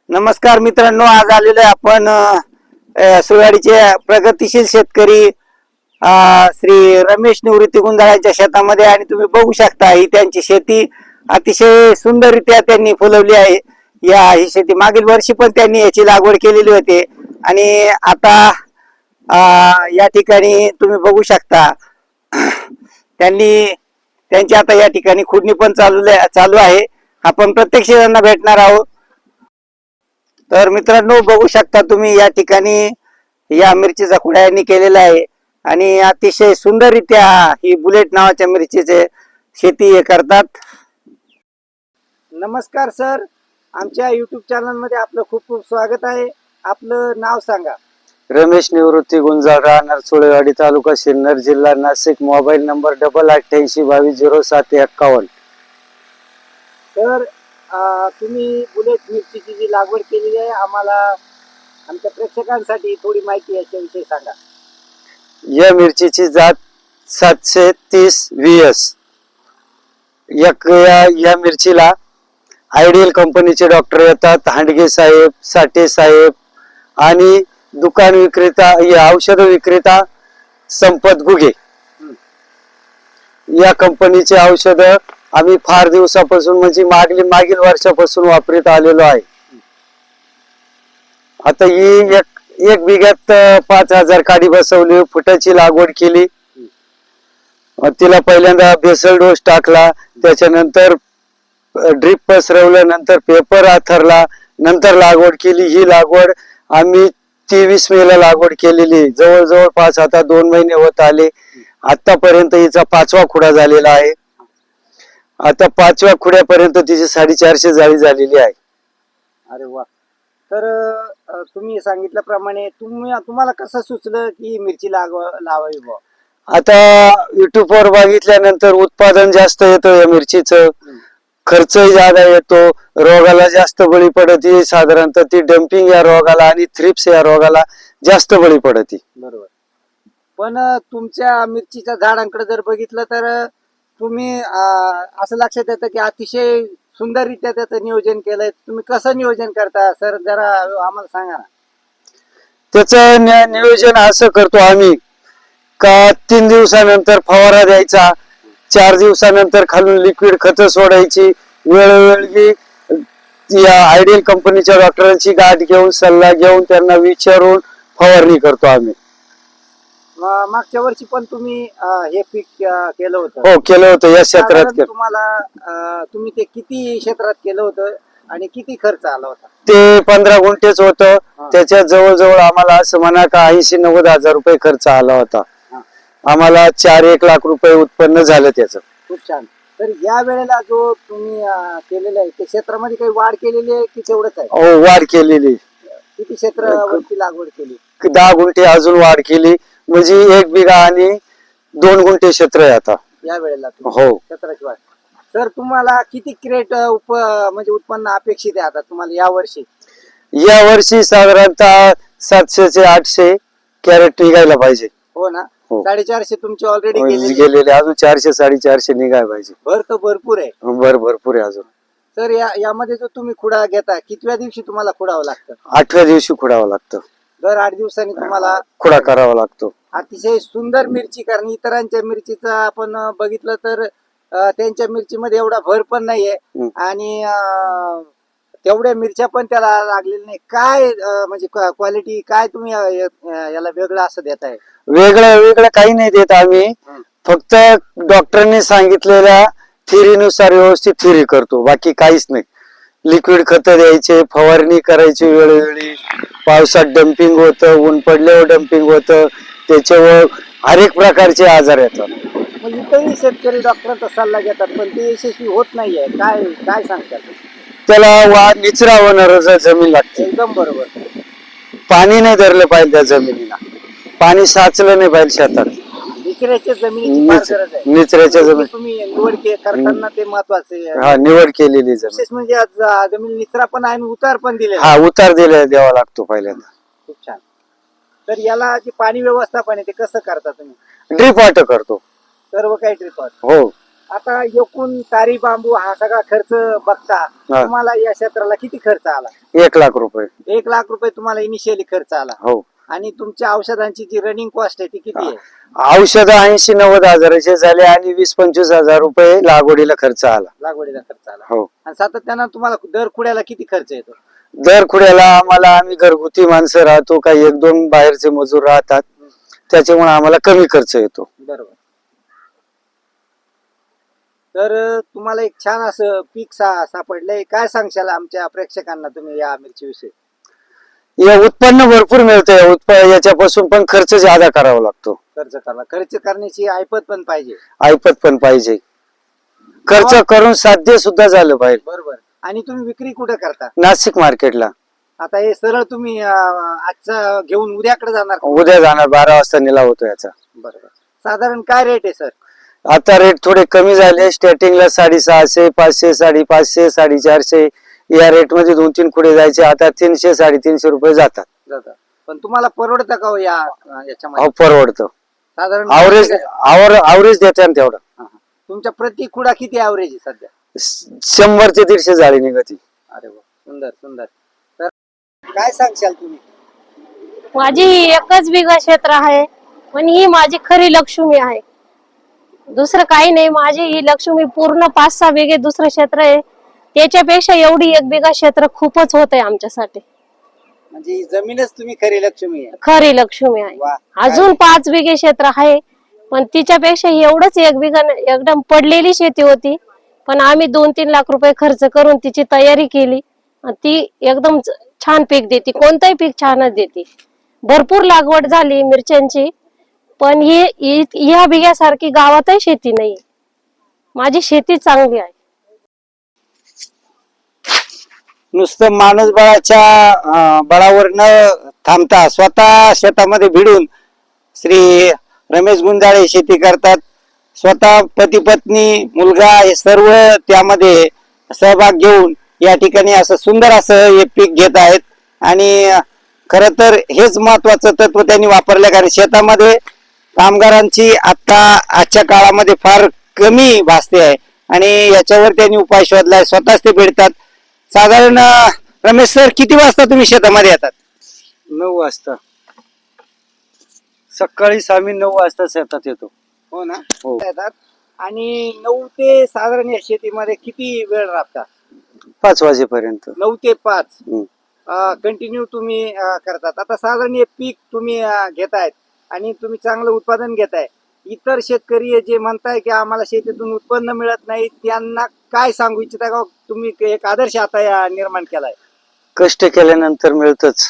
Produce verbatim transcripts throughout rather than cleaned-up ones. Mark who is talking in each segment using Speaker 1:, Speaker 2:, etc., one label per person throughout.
Speaker 1: नमस्कार मित्रांनो, आज आलेलो आहे आपण अ, सुरवाडीचे प्रगतिशील शेतकरी अ, श्री रमेश निवृत्ती गुंजाळांच्या शेतामध्ये आणि तुम्ही बघू शकता ही त्यांची शेती अतिशय सुंदररित्या त्यांनी फुलवली आहे. या ही शेती मागील वर्षी पण त्यांनी याची लागवड केलेली होती आणि आता अ, या ठिकाणी तुम्ही बघू शकता त्यांनी त्यांची आता या ठिकाणी खुडणी पण चालू चालू आहे. आपण प्रत्यक्ष त्यांना भेटणार आहोत. तर मित्रांनो बघू शकता तुम्ही या ठिकाणी या मिरचीचा खुडा यांनी केलेला आहे आणि अतिशय सुंदररित्या ही बुलेट नावाच्या मिरचीचे शेती हे करतात. नमस्कार सर, आमच्या युट्यूब चॅनल मध्ये आपलं खूप खूप स्वागत आहे. आपलं नाव सांगा.
Speaker 2: रमेश निवृत्ती गुंजाळ, राहणार चोळेवाडी, तालुका सिन्नर, जिल्हा नाशिक. मोबाईल नंबर डबल अठ्ठ्याऐंशी बावीस झिरो सात एक्कावन्न.
Speaker 1: सर अं, तुम्ही बुलेट मिरचीची जी लागवड केलेली आहे, आम्हाला आमच्या प्रेक्षकांसाठी थोडी माहिती याच्याविषयी सांगा.
Speaker 2: या मिरचीची जात सातशे तीस व्ही एस. एक या, या मिरचीला आयडियल कंपनीचे डॉक्टर येतात, हांडगे साहेब, साठे साहेब आणि दुकान विक्रेता, औषध विक्रेता संपत गुगे या कंपनीचे औषध आम्ही फार दिवसापासून म्हणजे मागील मागील वर्षापासून वापरत आलेलो आहे. आता ही एक एक बिघ्यात पाच हजार काडी बसवली, फुटाची लागवड केली. तिला पहिल्यांदा बेसल डोस टाकला, त्याच्यानंतर ड्रिप पसरवलं, नंतर पेपर आथरला, नंतर लागवड केली. ही लागवड आम्ही तेवीस मे ला लागवड केलेली. जवळजवळ पाच आता दोन महिने होत आले. आतापर्यंत हिचा पाचवा खुडा झालेला आहे. आता पाचव्या खुड्यापर्यंत तिची साडेचारशे जाळी झालेली आहे.
Speaker 1: अरे वा. तर अं, तुम्ही सांगितल्याप्रमाणे तुम्ही तुम्हाला कसं सुचलं की मिरची लागव लावावी बुवा?
Speaker 2: आता युट्यूब वर बघितल्यानंतर उत्पादन जास्त येतं या मिरचीचं, खर्चही जादा येतो, रोगाला जास्त बळी पडती. साधारणतः ती डम्पिंग या रोगाला आणि थ्रिप्स या रोगाला जास्त बळी पडती.
Speaker 1: बरोबर. पण अं, तुमच्या मिरचीच्या झाडांकडे जर बघितलं तर अं, तुम्ही अं, असं लक्षात येतं की अतिशय सुंदररित्या त्याचं नियोजन केलंय. तुम्ही कसं नियोजन करता सर, जरा आम्हाला सांगा ना.
Speaker 2: त्याचं नियोजन असं करतो आम्ही का तीन दिवसानंतर फवारा द्यायचा, चार दिवसानंतर खालून लिक्विड खत सोडायची, वेळोवेळी या आयडियल कंपनीच्या डॉक्टरांची गाठ घेऊन सल्ला घेऊन त्यांना विचारून फवारणी करतो आम्ही.
Speaker 1: म- मागच्या वर्षी पण तुम्ही अं, हे पीक अं, केलं होतं.
Speaker 2: हो केलं होतं या क्षेत्रात
Speaker 1: साधारण
Speaker 2: केलं.
Speaker 1: तुम्हाला अं, तुम्ही ते किती क्षेत्रात केलं होतं आणि किती खर्च आला होता?
Speaker 2: ते पंधरा गुंठेच होतं. त्याच्यात जवळजवळ आम्हाला असं म्हणा का ऐंशी नव्वद हजार रुपये खर्च आला होता. आम्हाला चार एक लाख रुपये उत्पन्न झालं त्याचं.
Speaker 1: खूप छान. तर या वेळेला जो तुम्ही अं, केलेलं आहे ते क्षेत्रामध्ये काही वाढ केलेली आहे की तेवढंच आहे?
Speaker 2: हो वाढ केलेली.
Speaker 1: किती क्षेत्रावरती लागवड केली?
Speaker 2: दहा गुंठे अजून वाढ केली, म्हणजे एक बिघा आणि दोन गुंठे क्षेत्र आहे आता
Speaker 1: या वेळेला तुम्ही
Speaker 2: हो.
Speaker 1: क्षेत्राची वाढ. सर तुम्हाला किती क्रेट उप म्हणजे उत्पन्न अपेक्षित आहे आता तुम्हाला या वर्षी?
Speaker 2: या वर्षी साधारणतः सातशे ते आठशे कॅरेट निघायला पाहिजे.
Speaker 1: हो ना.
Speaker 2: हो.
Speaker 1: साडेचारशे तुमचे ऑलरेडी
Speaker 2: गेलेले, अजून चारशे साडेचारशे निघायला पाहिजे.
Speaker 1: भर तर भरपूर आहे.
Speaker 2: भर भरपूर आहे अजून.
Speaker 1: तर या यामध्ये जो तुम्ही खुडा घेता, कितव्या दिवशी तुम्हाला खुडावं लागतं?
Speaker 2: आठव्या दिवशी खुडावं लागतं.
Speaker 1: दर आठ दिवसांनी तुम्हाला
Speaker 2: खुडा करावा लागतो.
Speaker 1: अतिशय सुंदर मिरची, कारण इतरांच्या मिरचीचा आपण अं, बघितलं तर अं, त्यांच्या मिरचीमध्ये एवढा भर पण नाहीये आणि अं, तेवढ्या मिरच्या पण त्याला लागलेल्या नाही. काय अं, म्हणजे क्वालिटी काय तुम्ही अं, य- याला वेगळं असं देताय?
Speaker 2: वेगळं वेगळं काही नाही देत आम्ही, फक्त डॉक्टरांनी सांगितलेल्या थिरीनुसार व्यवस्थित थिरी करतो, बाकी काहीच नाही. लिक्विड खत द्यायचे, फवारणी करायची वेळोवेळी, पावसात डम्पिंग होतं, ऊन पडल्यावर डम्पिंग होतं, त्याच्यावर हर एक प्रकारचे आजार येतात.
Speaker 1: मग इथेही शेतकरी डॉक्टरांचा सल्ला घेतात पण ते यशस्वी होत नाहीये. काय काय सांगतात?
Speaker 2: त्याला वा निचरा होणार जमीन लागते.
Speaker 1: एकदम बरोबर.
Speaker 2: पाणी नाही धरलं पाहिजे त्या जमिनीला, पाणी साचलं नाही पाहिजे शेतात.
Speaker 1: निचऱ्याच्या जमिनीची फार
Speaker 2: निच-
Speaker 1: गरज आहे.
Speaker 2: निचऱ्याच्या
Speaker 1: म्हणजे
Speaker 2: जमीन
Speaker 1: तुम्ही निवड के- करताना ते महत्वाचे आहे.
Speaker 2: हा निवड केलेली जमीन.
Speaker 1: विशेष म्हणजे आज अं, जमीन निचरा पण आहे आणि उतार पण दिलेला
Speaker 2: हा
Speaker 1: आहे.
Speaker 2: उतार दिला द्यावा लागतो पहिल्यांदा.
Speaker 1: खूप छान. तर याला जे पाणी व्यवस्थापन आहे ते कसं करता तुम्ही?
Speaker 2: ड्रीप वाटर करतो.
Speaker 1: सर्व काही ट्रिप
Speaker 2: हो
Speaker 1: आता एकूण तारी बांबू हा सगळा खर्च बघता
Speaker 2: हा.
Speaker 1: तुम्हाला या क्षेत्राला किती खर्च आला?
Speaker 2: एक लाख रुपये.
Speaker 1: एक लाख रुपये तुम्हाला इनिशियली खर्च आला.
Speaker 2: हो.
Speaker 1: आणि तुमच्या औषधांची जी रनिंग कॉस्ट आहे ती किती आहे?
Speaker 2: औषध ऐंशी नव्वद हजाराचे झाले आणि वीस पंचवीस हजार रुपये लागवडीला खर्च आला.
Speaker 1: लागवडीला खर्च आला.
Speaker 2: हो.
Speaker 1: आणि सातत्यानं तुम्हाला दर कुड्याला किती खर्च येतो?
Speaker 2: दर खुड्याला आम्हाला, आम्ही घरगुती माणसं राहतो, काही एक दोन बाहेरचे मजूर राहतात, त्याच्यामुळे आम्हाला कमी खर्च येतो.
Speaker 1: बरोबर. तर तुम्हाला एक छान असं पीक सा सापडलंय. काय सांगशाल आमच्या प्रेक्षकांना तुम्ही या मिरची विषयी?
Speaker 2: या उत्पन्न भरपूर मिळतंय, उत्पन्न याच्यापासून पण खर्च ज्यादा करावा लागतो.
Speaker 1: खर्च करा खर्च करण्याची ऐपत पण पाहिजे.
Speaker 2: ऐपत पण पाहिजे. खर्च करून साध्य सुद्धा झालं पाहिजे.
Speaker 1: बरोबर. आणि तुम्ही विक्री कुठे करता?
Speaker 2: नाशिक मार्केटला.
Speaker 1: आता हे सरळ तुम्ही आजचा घेऊन उद्याकडे जाणार का?
Speaker 2: उद्या जाणार, बारा वाजता निलाव होतो याचा.
Speaker 1: बरोबर. साधारण काय रेट आहे सर?
Speaker 2: आता रेट थोडे कमी झाले. स्टार्टिंगला साडेसहाशे, पाचशे, साडेपाचशे, साडेचारशे या रेट मध्ये दोन तीन खुडे जायचे. आता तीनशे साडेतीनशे रुपये जातात.
Speaker 1: जातात. पण तुम्हाला परवडतं का हो या याच्यामध्ये?
Speaker 2: हो, परवडतं.
Speaker 1: साधारण
Speaker 2: आवरेज आवरेज देते ना तेवढं.
Speaker 1: हा, हा. तुमच्या प्रति खुडा किती ऍव्हरेज आहे सध्या?
Speaker 2: शंभर ते दीडशे झाली निघती.
Speaker 1: अरे वा, सुंदर सुंदर. तर काय सांगशाल तुम्ही?
Speaker 3: माझी ही एकच बिघा क्षेत्र आहे, पण ही माझी खरी लक्ष्मी आहे. दुसरं काही नाही. माझी ही लक्ष्मी पूर्ण पाच सहा बिघे दुसरं क्षेत्र आहे, त्याच्यापेक्षा एवढी एक बिघा क्षेत्र खूपच होत आहे आमच्यासाठी.
Speaker 1: म्हणजे ही जमीनच तुम्ही खरी लक्ष्मी आहे.
Speaker 3: खरी लक्ष्मी आहे.
Speaker 1: वा.
Speaker 3: अजून पाच बिघे क्षेत्र आहे, पण तिच्यापेक्षा एवढंच एक बिघा एकदम पडलेली शेती होती, पण आम्ही दोन तीन लाख रुपये खर्च करून तिची तयारी केली. ती एकदम छान पीक देते, कोणतंही पीक छानच देते. भरपूर लागवड झाली मिरच्यांची, पण ही ह्या बिघ्यासारखी गावातही शेती नाही. माझी शेती चांगली आहे.
Speaker 1: नुसतं माणूसबळाच्या बळावर न थांबता स्वतः शेतामध्ये भिडून श्री रमेश गुंजाळे शेती करतात. स्वतः पती पत्नी मुलगा हे सर्व त्यामध्ये सहभाग घेऊन या ठिकाणी असं सुंदर असं हे पीक घेत आहेत. आणि खर तर हेच महत्वाचं तत्व त्यांनी वापरलं, कारण शेतामध्ये कामगारांची आता आजच्या काळामध्ये फार कमी भासते आहे आणि याच्यावर त्यांनी उपाय शोधलाय. स्वतःच ते भेटतात. साधारण रमेश सर, किती वाजता तुम्ही शेतामध्ये येतात?
Speaker 2: नऊ वाजता सकाळीच आम्ही नऊ वाजता शेतात येतो.
Speaker 1: हो ना.
Speaker 2: हो.
Speaker 1: येतात. आणि नऊ ते साधारण या शेतीमध्ये किती वेळ राबता?
Speaker 2: पाच वाजेपर्यंत.
Speaker 1: नऊ ते पाच
Speaker 2: हम्म.
Speaker 1: कंटिन्यू तुम्ही अं, करतात. आता साधारण हे पीक तुम्ही अं, घेतायत आणि तुम्ही चांगलं उत्पादन घेताय. इतर शेतकरी जे म्हणताय की आम्हाला शेतीतून उत्पन्न मिळत नाही, त्यांना काय सांगू इच्छिता का? तुम्ही एक आदर्श आता या निर्माण केलाय.
Speaker 2: कष्ट केल्यानंतर मिळतच.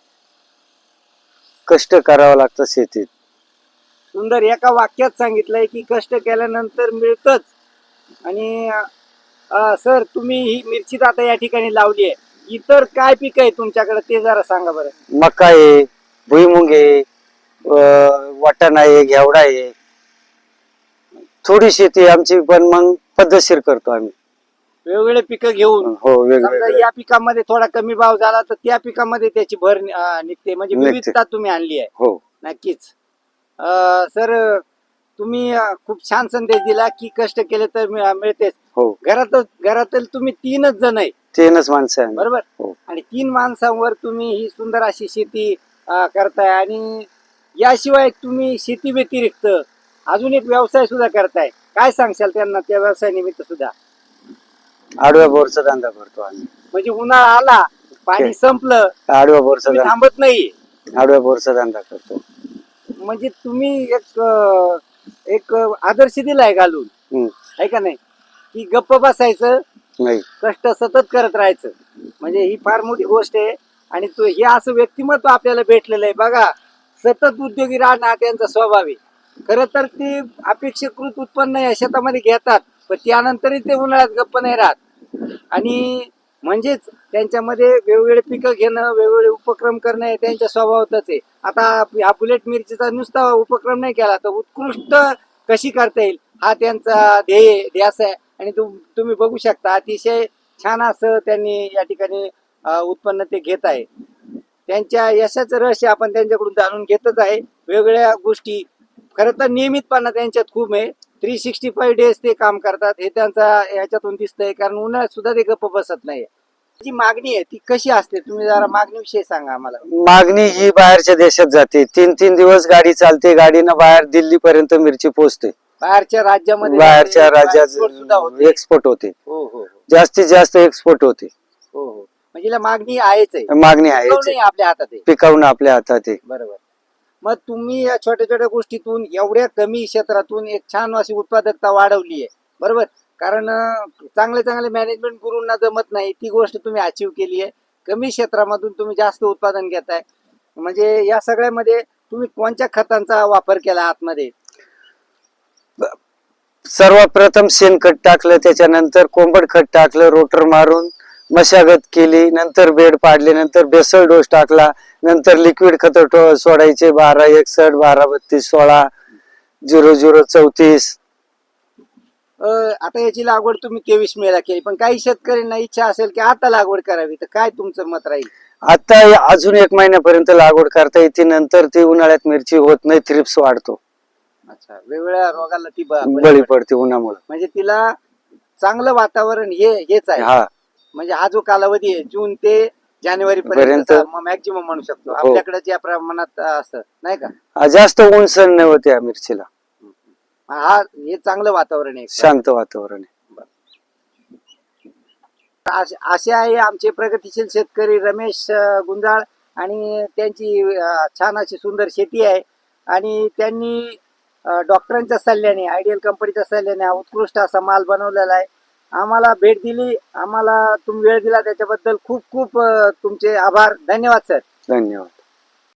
Speaker 2: कष्ट करावं लागतं शेतीत.
Speaker 1: सुंदर एका वाक्यात सांगितलंय की कष्ट केल्यानंतर मिळतच. आणि अं, सर, तुम्ही ही मिरची आता या ठिकाणी लावली आहे. इतर काय पीक आहे तुमच्याकडे ते जरा सांगा बरं.
Speaker 2: मका आहे, भुईमुग आहे, अं, वाटाणा आहे, घेवडा आहे. थोडी शेती आमची, पण मग पद्धतशीर करतो आम्ही.
Speaker 1: वेगवेगळे पिकं घेऊन
Speaker 2: हो,
Speaker 1: समजा
Speaker 2: वेगवेगळे.
Speaker 1: या पिकामध्ये थोडा कमी भाव झाला तर त्या पिकामध्ये त्याची भर अं, निघते. म्हणजे
Speaker 2: निघते.
Speaker 1: विविधता तुम्ही आणली आहे.
Speaker 2: हो.
Speaker 1: नक्कीच. अं, सर, तुम्ही अं, खूप छान संदेश दिला की कष्ट केले तर मिळ- मिळतेच.
Speaker 2: हो.
Speaker 1: घरात घरातील तुम्ही तीनच जण आहे,
Speaker 2: तीनच माणसं आहे.
Speaker 1: बरोबर?
Speaker 2: हो.
Speaker 1: आणि तीन माणसांवर तुम्ही ही सुंदर अशी शेती अं, करताय. आणि याशिवाय तुम्ही शेती व्यतिरिक्त अजून एक व्यवसाय सुद्धा करताय. काय सांगशाल त्यांना त्या व्यवसाय निमित्त सुद्धा?
Speaker 2: आडव्या बोरचा धंदा करतो आम्ही.
Speaker 1: म्हणजे उन्हाळा आला, पाणी संपलं,
Speaker 2: आडव्या बोरचा
Speaker 1: तुम्ही
Speaker 2: धंदा
Speaker 1: थांबत नाही.
Speaker 2: आडव्या बोरचा धंदा करतो.
Speaker 1: म्हणजे तुम्ही एक अं, एक आदर्श दिलाय घालून,
Speaker 2: हम्म.
Speaker 1: आहे का नाही? की गप्प बसायचं,
Speaker 2: नाही.
Speaker 1: कष्ट सतत करत राहायचं. म्हणजे ही फार मोठी गोष्ट आहे. आणि तो हे असं व्यक्तिमत्व आपल्याला भेटलेलं आहे बघा. सतत उद्योगी राहणं हा त्यांचा स्वभाव आहे. खरं तर ते अपेक्षाकृत उत्पन्न या शेतामध्ये घेतात, पण त्यानंतरही ते उन्हाळ्यात गप्प नाही राहत. आणि म्हणजेच त्यांच्यामध्ये वेगवेगळे पिकं घेणं, वेगवेगळे उपक्रम करणं हे त्यांच्या स्वभावातच आहे. आता हा बुलेट मिरचीचा नुसता उपक्रम नाही केला तर उत्कृष्ट कशी करता येईल हा त्यांचा ध्येय ध्यास आहे. आणि तुम्ही बघू शकता अतिशय छान असं त्यांनी या ठिकाणी उत्पन्न ते घेत आहे. त्यांच्या यशाचं रहस्य आपण त्यांच्याकडून जाणून घेतच आहे. वेगवेगळ्या गोष्टी खरं तर नियमितपणा त्यांच्यात खूप आहे. थ्री सिक्स्टी फाईव्ह डेज ते काम करतात हे त्यांचा याच्यातून दिसतंय, कारण उन्हाळ्यात सुद्धा ते गप्प बसत नाही. जी मागणी आहे ती कशी असते, तुम्ही जरा मागणीविषयी सांगा आम्हाला.
Speaker 2: मागणी ही बाहेरच्या देशात जाते. तीन तीन दिवस गाडी चालते, गाडीनं बाहेर दिल्ली पर्यंत मिरची पोहोचते.
Speaker 1: बाहेरच्या राज्यामध्ये
Speaker 2: बाहेरच्या
Speaker 1: export
Speaker 2: राज्यात
Speaker 1: सुद्धा होते.
Speaker 2: एक्सपोर्ट होते,
Speaker 1: हो हो
Speaker 2: जास्तीत जास्त एक्सपोर्ट होते.
Speaker 1: हो हो म्हणजे हिला मागणी आहेच आहे,
Speaker 2: मागणी आहे,
Speaker 1: पिकवणं हे आपल्या हातात आहे.
Speaker 2: पिकवणं आपल्या हातात आहे.
Speaker 1: बरोबर. मग तुम्ही या छोट्या छोट्या गोष्टीतून एवढ्या कमी क्षेत्रातून एक छान अशी उत्पादकता वाढवली आहे, बरोबर. कारण अं, चांगले चांगले मॅनेजमेंट गुरूंना जमत नाही ती गोष्ट तुम्ही अचीव केली आहे. कमी क्षेत्रामधून तुम्ही जास्त उत्पादन घेताय. म्हणजे या सगळ्यामध्ये तुम्ही कोणत्या खतांचा वापर केला आतमध्ये?
Speaker 2: सर्वात प्रथम शेणखत टाकलं, त्याच्यानंतर कोंबड खत टाकलं, रोटर मारून मशागत केली, नंतर बेड पाडले, नंतर बेसल डोस टाकला, नंतर लिक्विड खत सोडायचे बारा एकसठ बारा बत्तीस सोळा झिरो झिरो चौतीस.
Speaker 1: अं, आता याची लागवड तुम्ही तेवीस मेला केली, पण काही शेतकऱ्यांना इच्छा असेल की आता लागवड करावी, तर काय तुमचं मत राहील?
Speaker 2: आता अजून एक महिन्यापर्यंत लागवड करता येते, नंतर ती उन्हाळ्यात मिरची होत नाही, थ्रिप्स वाढतो,
Speaker 1: अच्छा, वेगवेगळ्या रोगाला ती ब- बळी
Speaker 2: बळी
Speaker 1: पडते.
Speaker 2: पडते उन्हामुळे.
Speaker 1: म्हणजे तिला चांगलं वातावरण हे हेच आहे.
Speaker 2: हा,
Speaker 1: म्हणजे हा जो कालावधी आहे जून ते जानेवारी
Speaker 2: पर्यंत-
Speaker 1: पर्यंत मॅक्झिमम म्हणू शकतो
Speaker 2: हो.
Speaker 1: आपल्याकडे ज्या प्रमाणात असतं, नाही का?
Speaker 2: हा, जास्त ऊन सण नाही होते या मिरचीला,
Speaker 1: हा हे चांगलं वातावरण आहे.
Speaker 2: शांत वातावरण आहे.
Speaker 1: असे असे आहे आमचे प्रगतिशील शेतकरी रमेश अं, गुंजाळ, आणि त्यांची अं, छान अशी सुंदर शेती आहे. आणि त्यांनी अं, डॉक्टरांच्या सल्ल्याने, आयडियल कंपनीच्या सल्ल्याने हा उत्कृष्ट असा माल बनवलेला आहे. आम्हाला भेट दिली, आम्हाला तुम्ही वेळ दिला त्याच्याबद्दल खूप खूप अं, तुमचे आभार. धन्यवाद सर.
Speaker 2: धन्यवाद.